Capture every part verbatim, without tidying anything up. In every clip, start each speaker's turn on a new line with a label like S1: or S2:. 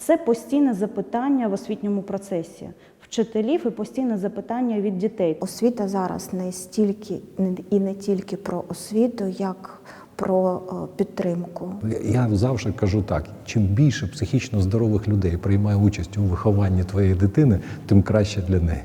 S1: Це постійне запитання в освітньому процесі вчителів і постійне запитання від дітей.
S2: Освіта зараз не стільки і не тільки про освіту, як про підтримку.
S3: Я завжди кажу так, чим більше психічно здорових людей приймає участь у вихованні твоєї дитини, тим краще для неї.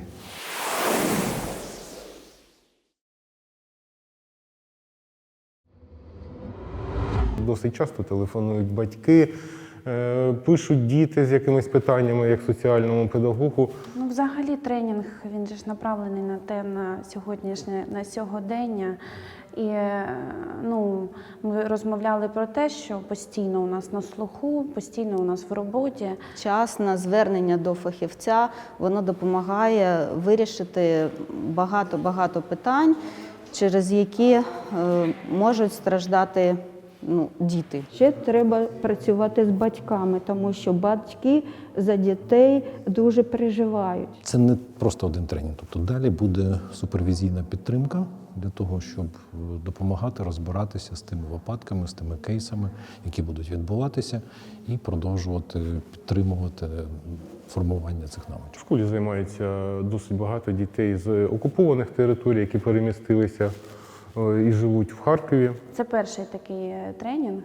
S4: Досить часто телефонують батьки, пишуть діти з якимись питаннями, як соціальному педагогу.
S5: Ну, взагалі тренінг, він же ж направлений на те, на сьогоднішнє, на сьогодення. І ну, ми розмовляли про те, що постійно у нас на слуху, постійно у нас в роботі.
S6: Вчасне звернення до фахівця, воно допомагає вирішити багато-багато питань, через які е, можуть страждати ну, діти.
S7: Ще треба працювати з батьками, тому що батьки за дітей дуже переживають.
S3: Це не просто один тренінг. Тобто далі буде супервізійна підтримка для того, щоб допомагати розбиратися з тими випадками, з тими кейсами, які будуть відбуватися, і продовжувати підтримувати формування цих навичок.
S4: В школі займається досить багато дітей з окупованих територій, які перемістилися і живуть в Харкові.
S5: Це перший такий тренінг,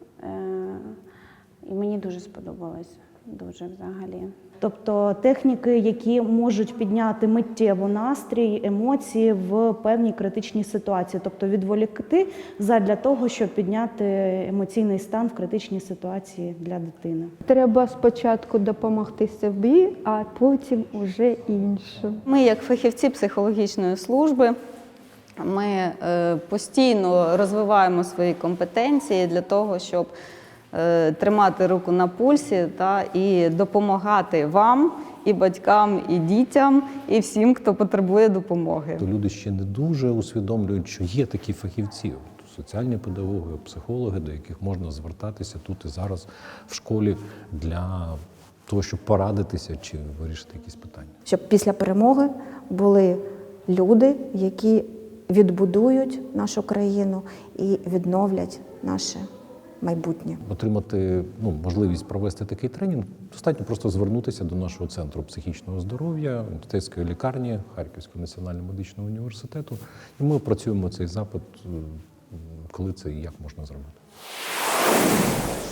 S5: і мені дуже сподобалось, дуже взагалі.
S1: Тобто техніки, які можуть підняти миттєво настрій, емоції в певній критичній ситуації. Тобто відволікти задля того, щоб підняти емоційний стан в критичній ситуації для дитини.
S7: Треба спочатку допомогти собі, а потім уже іншим.
S6: Ми, як фахівці психологічної служби, ми е, постійно розвиваємо свої компетенції для того, щоб е, тримати руку на пульсі та, і допомагати вам, і батькам, і дітям, і всім, хто потребує допомоги.
S3: Люди ще не дуже усвідомлюють, що є такі фахівці, соціальні педагоги, психологи, до яких можна звертатися тут і зараз в школі для того, щоб порадитися чи вирішити якісь питання.
S2: Щоб після перемоги були люди, які відбудують нашу країну і відновлять наше майбутнє.
S3: Отримати ну, можливість провести такий тренінг, достатньо просто звернутися до нашого центру психічного здоров'я, університетської лікарні Харківського національного медичного університету. І ми опрацюємо цей запит, коли це і як можна зробити.